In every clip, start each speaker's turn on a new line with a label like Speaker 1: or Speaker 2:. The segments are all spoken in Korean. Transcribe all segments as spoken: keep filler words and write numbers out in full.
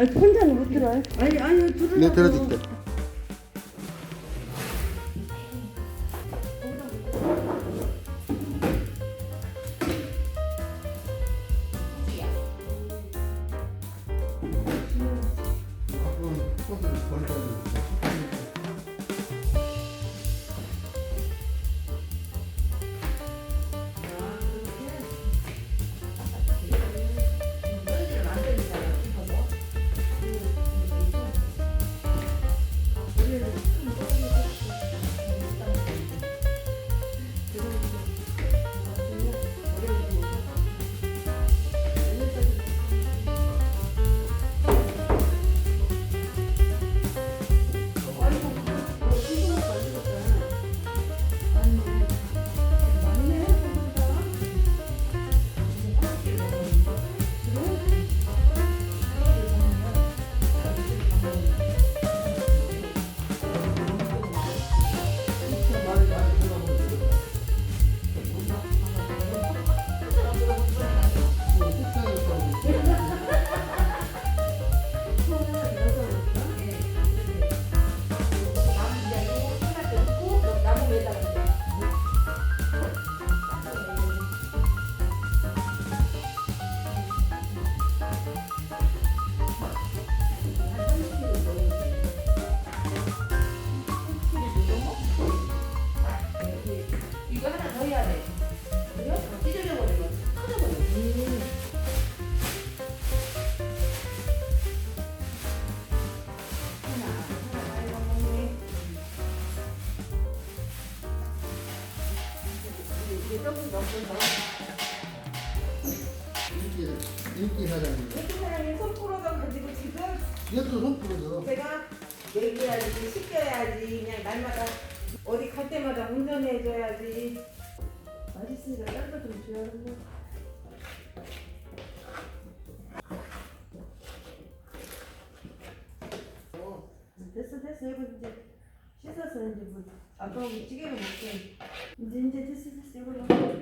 Speaker 1: 아니 혼자는 못 들어요. 아니 아니 들으라고.
Speaker 2: 네, 들어줄게.
Speaker 3: 이거 하나 더 해야 돼. 그래요? 찢어져 버리면 터져버려. 음. 하나, 하나 말고 먹네. 이게 조금 넘고 더.
Speaker 2: 인기, 인기 사장님.
Speaker 3: 이렇게 사람이 손 풀어서 가지고 지금
Speaker 2: 얘도 손 부러져.
Speaker 3: 제가 얘기해야지, 시켜야지, 그냥 날마다 어디 갈 때마다 운전해줘야지.
Speaker 1: 맛있으니까 딴 거 좀 줘야겠네. 됐어 됐어 이거 이제 씻어서 이제 뭐 아빠하고 찌개를 먹게. 이제 이제 됐어 됐어 이거 넣어.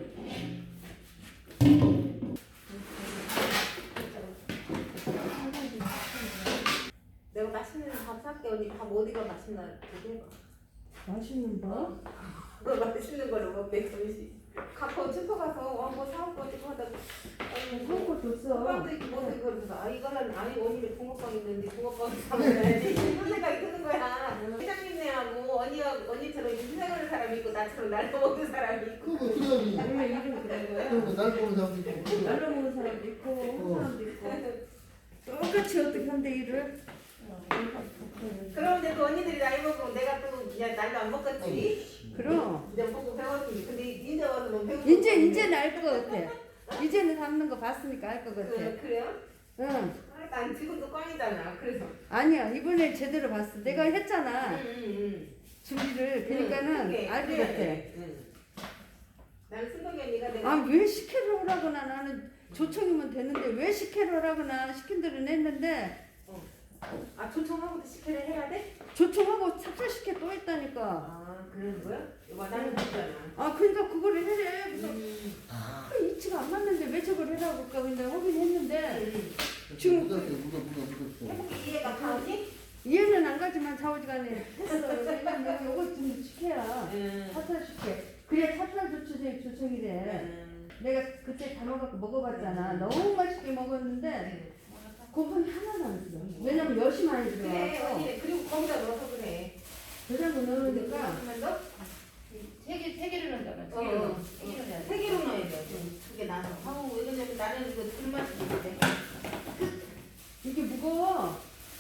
Speaker 3: 내가 맛있는 밥 살게. 언니 밥 어디가 맛있나 얘기해봐.
Speaker 1: 맛있는 거?
Speaker 3: 그거 맛있는 걸로 먹게 점심. 갖고 슈퍼 가서 왕고 사올 거 있고 하다가
Speaker 1: 그런 것도 써.
Speaker 3: 호박도 있고 뭐도 있고 그래서 아 이거는 아니 언니는 붕어빵 있는데 붕어빵 사먹어야지 이런 생각이 드는 거야. 회장님네하고 언니가 언니처럼 인생하는 사람이 있고 나처럼 날로 먹는 사람이 있고.
Speaker 2: 그거 그래야지.
Speaker 1: 원래 이름 그런 거야.
Speaker 2: 그리고 날 보는 사람도 있고.
Speaker 1: 날로 먹는 사람도 있고 온 사람도 있고 똑같이 어떻게 한대 일을.
Speaker 3: 그럼 이제 그 언니들이 나이 먹으면 내가 또 그냥 날로 안 먹겠지.
Speaker 1: 그럼
Speaker 3: 이제 보고 배웠지. 근데 이제 와서는 배우고.
Speaker 1: 이제 이제는 알 것 같아. 이제는 담는 거 봤으니까 알 것 같아.
Speaker 3: 그, 그래요?
Speaker 1: 응.
Speaker 3: 난 지금도 꽝이잖아. 그래서.
Speaker 1: 아니야 이번에 제대로 봤어. 내가 했잖아
Speaker 3: 응응응.
Speaker 1: 준비를. 그러니까는 알 것 같아.
Speaker 3: 응. 나는 순덕이 언니가 내가.
Speaker 1: 아 왜 식혜를 오라거나 나는 조청이면 되는데 왜 식혜를 오라거나 시킨 대로는 했는데
Speaker 3: 아 초청하고도 식혜를 해야 돼?
Speaker 1: 조청하고 찹쌀 식혜 또 했다니까.
Speaker 3: 아 그런 거야? 이거 나는 했잖아.
Speaker 1: 아 그러니까 그거를 해래. 그래서
Speaker 3: 음.
Speaker 1: 아, 이치가 안 맞는데 왜 저걸 해라고 할까 근데 하긴 했는데
Speaker 2: 지금 묻었어, 묻어, 묻어, 묻었어.
Speaker 3: 해보기 이해가 가오지?
Speaker 1: 이해는 안 가지만 좌우지간에 했어. 왜냐면 이거 좀 식혜야.
Speaker 3: 응.
Speaker 1: 찹쌀 식혜. 그래 찹쌀 조청이 조청이래.
Speaker 3: 응.
Speaker 1: 내가 그때 담아갖고 먹어봤잖아. 너무 맛있게 먹었는데 고분이 하나도 안 들어. 왜냐면 엿이 많이
Speaker 3: 그래
Speaker 1: 들어가서
Speaker 3: 언니 그리고 거기다 넣어서 그래.
Speaker 1: 대장을 넣으니까
Speaker 3: 그러면 너?
Speaker 4: 세 개, 세 개를 넣는다면 세
Speaker 3: 어.
Speaker 4: 개를 넣어. 세 개를 넣어야 돼.
Speaker 3: 세 개로 넣어야 돼. 그게 나는. 아우 왜냐면 나는 이거 불맛이 있는데.
Speaker 1: 이게 무거워.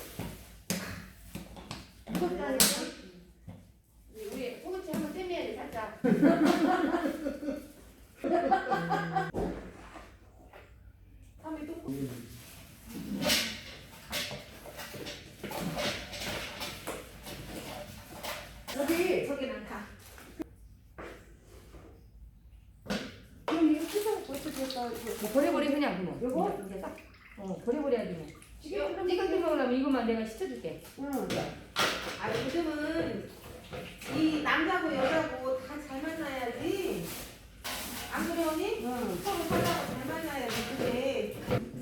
Speaker 1: 무겁다니까.
Speaker 4: 우리 소금치 한번 떼매야지 살짝.
Speaker 3: 다음에 또.
Speaker 1: 여기
Speaker 3: 저기는 가.
Speaker 1: 그럼 이거 씻어갖고 어떻게
Speaker 4: 뭐 버려버려 그냥 그거.
Speaker 1: 요거?
Speaker 4: 이제 딱. 어 버려버려야지 뭐.
Speaker 1: 찌개
Speaker 4: 찌개 먹으려면 이것만 내가 시켜줄게.
Speaker 1: 응.
Speaker 3: 아 요즘은 이 남자고 여자고 다 잘 만나야지. 안 그래 언니?
Speaker 1: 응.
Speaker 3: 서로 살다가 잘 만나야지 그게.